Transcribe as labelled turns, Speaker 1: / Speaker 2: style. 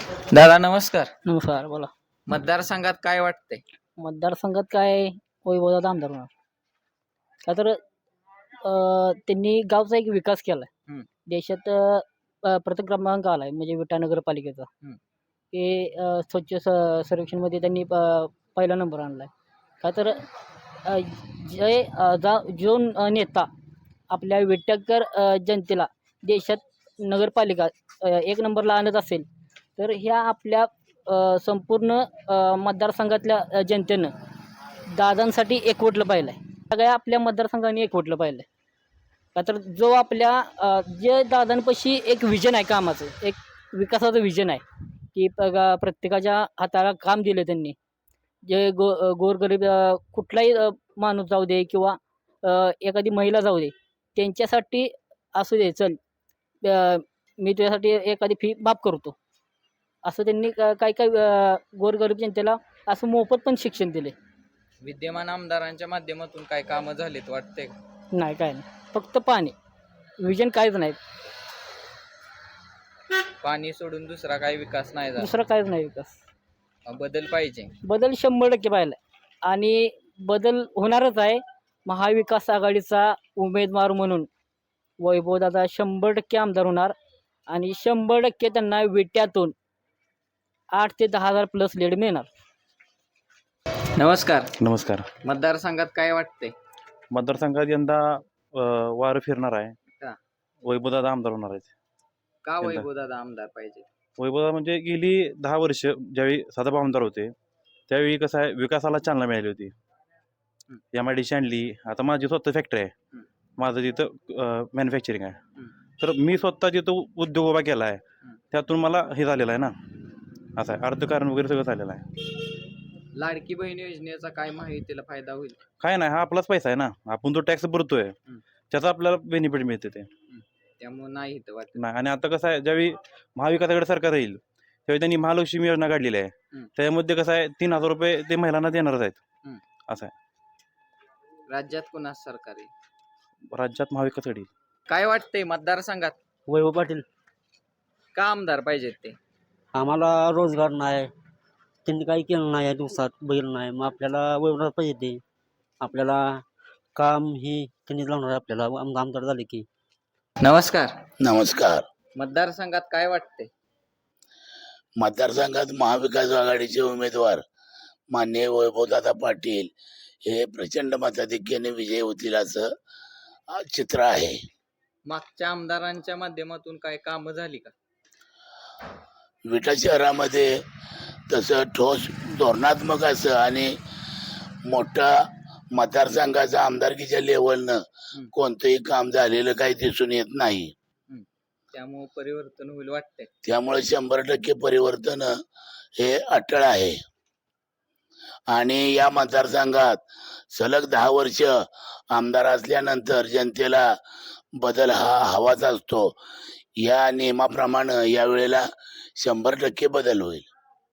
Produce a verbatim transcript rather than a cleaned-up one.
Speaker 1: दादा नमस्कार.
Speaker 2: नमस्कार, बोला.
Speaker 1: मतदारसंघात काय वाटतंय?
Speaker 2: मतदारसंघात काय वैभवदादा आमदार होणार. का तर अ, त्यांनी गावचा एक विकास केलाय.
Speaker 1: हं.
Speaker 2: देशात अ, प्रथम क्रमांक आलाय म्हणजे विटा नगरपालिकेचा.
Speaker 1: हं.
Speaker 2: की अ, स्वच्छ स सर्वेक्षणमध्ये त्यांनी प पहिला नंबर आणलाय. का तर अ, जे अ, जा जो अ, नेता आपल्या विट्याकर अ, जनतेला देशात नगरपालिका अ, एक नंबरला आणत असेल, तर ह्या आपल्या अ, संपूर्ण अ, मतदारसंघातल्या अ, जनतेनं दादांसाठी एकवटलं पाहिलं आहे. सगळ्या आपल्या मतदारसंघाने एकवटलं पाहिलं आहे. का तर जो आपल्या अ, जे दादांपाशी एक विजन आहे कामाचं, एक विकासाचं विजन आहे, की बघा प्रत्येकाच्या हाताला काम दिलं त्यांनी. जे गो अ, गोरगरीब अ, कुठलाही अ, माणूस जाऊ दे किंवा अ, एखादी महिला जाऊ दे, त्यांच्यासाठी असू दे चल अ, मी तुझ्यासाठी एखादी फी माफ करतो. असं त्यांनी क काही काही अ, गोरगरीब जनतेला असं मोफत पण शिक्षण दिले.
Speaker 1: विद्यमान आमदारांच्या माध्यमातून काय कामं झालीत वाटतंय का?
Speaker 2: नाही काय नाही. फक्त पाणी. विजन काहीच नाही.
Speaker 1: पाणी सोडून दुसरा काही विकास नाही झाला.
Speaker 2: दुसरं काहीच नाही विकास.
Speaker 1: मग बदल पाहिजे.
Speaker 2: बदल शंभर टक्के पाहिला आहे आणि बदल होणारच आहे. महाविकास आघाडीचा उमेदवार म्हणून वैभवदादा शंभर टक्के आमदार होणार आणि शंभर टक्के त्यांना विट्यातून आठ ते दहा हजार प्लस लीड मिळणार.
Speaker 1: नमस्कार.
Speaker 3: नमस्कार.
Speaker 1: मतदारसंघात काय वाटतंय?
Speaker 3: मतदारसंघात यंदा अ, वारं फिरणार आहे.
Speaker 1: का?
Speaker 3: वैभवदादा आमदार होणार आहेत.
Speaker 1: का
Speaker 3: यंदा.
Speaker 1: वैभवदादा आमदार पाहिजे?
Speaker 3: वैभवदादा म्हणजे गेली दहा वर्ष ज्यावेळी सदाभाऊ आमदार होते, त्यावेळी कसं आहे विकासाला चालना मिळाली होती.
Speaker 1: हं.
Speaker 3: एम आय डी सी आणली. आता माझी स्वतः फॅक्टरी आहे.
Speaker 1: हं.
Speaker 3: माझं तिथं मॅन्युफॅक्चरिंग आहे.
Speaker 1: हं.
Speaker 3: तर मी स्वतः जिथं उद्योग उभा केला आहे,
Speaker 1: हं.
Speaker 3: त्यातून मला हे झालेलं आहे ना, असं आहे अर्थकारण वगैरे सगळं झालेलं आहे.
Speaker 1: लाडकी बहीण योजनेचा काय माहितीला फायदा होईल?
Speaker 3: काय नाही, हा आपलाच पैसा आहे ना, आपण जो टॅक्स भरतोय
Speaker 1: हं.
Speaker 3: त्याचा आपल्याला बेनिफिट मिळते ते.
Speaker 1: त्यामुळे नाही इथं वाटत.
Speaker 3: नाही. आणि आता कसं आहे ज्यावेळी महाविकास आघाडी सरकार येईल त्यावेळी त्यांनी महालक्ष्मी योजना काढलेली आहे.
Speaker 1: हं.
Speaker 3: त्यामध्ये कसं आहे तीन हजार रुपये ते महिलांना देणारच आहेत.
Speaker 1: हं.
Speaker 3: असं आहे.
Speaker 1: राज्यात कुणाच सरकार आहे?
Speaker 3: राज्यात महाविकास आघाडी.
Speaker 1: काय वाटतंय मतदारसंघात
Speaker 2: वैभव पाटील.
Speaker 1: का आमदार पाहिजेत ते?
Speaker 2: आम्हाला रोजगार नाही. त्यांनी काही केलं नाही या दिवसात बघितलं नाही. मग आपल्याला वैभवदादा पाहिजे ते. आपल्याला काम ही त्यांनी लावणार आहे आपल्याला आम आमदार झाले की.
Speaker 1: नमस्कार.
Speaker 4: नमस्कार.
Speaker 1: मतदारसंघात काय वाटतंय?
Speaker 4: मतदारसंघात महाविकास आघाडीचे उमेदवार माननीय वैभवदादा पाटील हे प्रचंड मताधिक्याने विजयी होतील असं अ, चित्र आहे.
Speaker 1: मागच्या आमदारांच्या माध्यमातून काय कामं झाली का?
Speaker 4: विटा शहरामध्ये तसं ठोस धोरणात्मक असं आणि मोठा मतदारसंघाचा आमदारकीच्या लेवलनं
Speaker 1: हं.
Speaker 4: कोणतंही काम झालेलं काही दिसून येत नाही.
Speaker 1: त्यामुळे परिवर्तन होईल वाटतंय.
Speaker 4: त्यामुळे शंभर टक्के परिवर्तन हे अटळ आहे. आणि या मतदारसंघात सलग दहा वर्ष आमदार असल्यानंतर जनतेला बदल हा हवाच असतो. या नियमाप्रमाणे यावेळेला शंभर टक्के बदल होईल.